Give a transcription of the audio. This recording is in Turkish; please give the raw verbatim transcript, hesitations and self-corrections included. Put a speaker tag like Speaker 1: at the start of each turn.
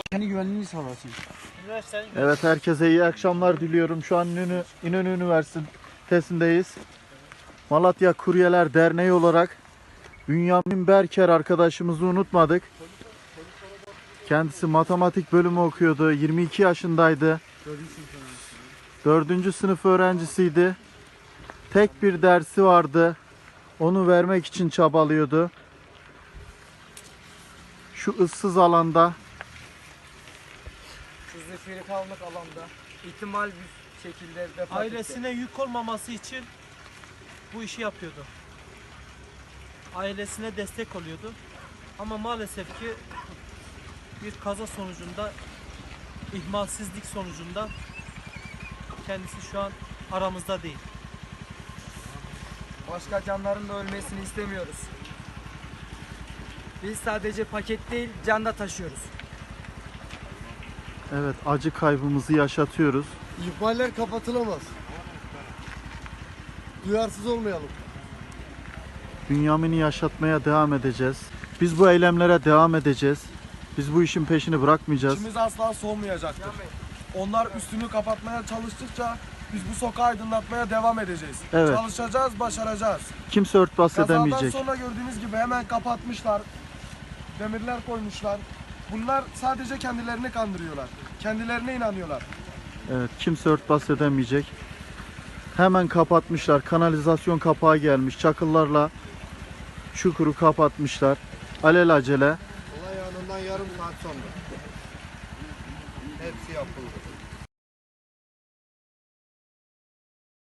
Speaker 1: Kendi güvenliğini sağlasın.
Speaker 2: Evet, herkese iyi akşamlar diliyorum. Şu an İnönü, İnönü Üniversitesi'ndeyiz. Malatya Kuryeler Derneği olarak Bünyamin Berker arkadaşımızı unutmadık. Kendisi matematik bölümü okuyordu. yirmi iki yaşındaydı. dördüncü sınıf öğrencisiydi. Tek bir dersi vardı. Onu vermek için çabalıyordu. Şu ıssız alanda.
Speaker 3: Şu zifiri karanlık alanda ihtimal bir şekilde vefat
Speaker 4: Ailesine
Speaker 3: etti.
Speaker 4: yük olmaması için bu işi yapıyordu. Ailesine destek oluyordu. Ama maalesef ki bir kaza sonucunda, ihmalsizlik sonucunda kendisi şu an aramızda değil.
Speaker 3: Başka canların da ölmesini istemiyoruz. Biz sadece paket değil, can da taşıyoruz.
Speaker 2: Evet, acı kaybımızı yaşatıyoruz.
Speaker 5: İhmaller kapatılamaz. Duyarsız olmayalım.
Speaker 2: Bünyamin'i yaşatmaya devam edeceğiz. Biz bu eylemlere devam edeceğiz. Biz bu işin peşini bırakmayacağız.
Speaker 6: İçimiz asla soğumayacaktır. Onlar üstünü kapatmaya çalıştıkça biz bu sokağı aydınlatmaya devam edeceğiz.
Speaker 2: Evet.
Speaker 6: Çalışacağız, başaracağız.
Speaker 2: Kimse örtbas
Speaker 6: Kazadan
Speaker 2: edemeyecek.
Speaker 6: sonra gördüğünüz gibi hemen kapatmışlar. Demirler koymuşlar. Bunlar sadece kendilerini kandırıyorlar. Kendilerine inanıyorlar.
Speaker 2: Evet, kimse örtbas edemeyecek. Hemen kapatmışlar. Kanalizasyon kapağı gelmiş. Çakıllarla çukuru kapatmışlar. Alelacele.
Speaker 5: Olay anından yarım saat sonra. Hepsi yapıldı.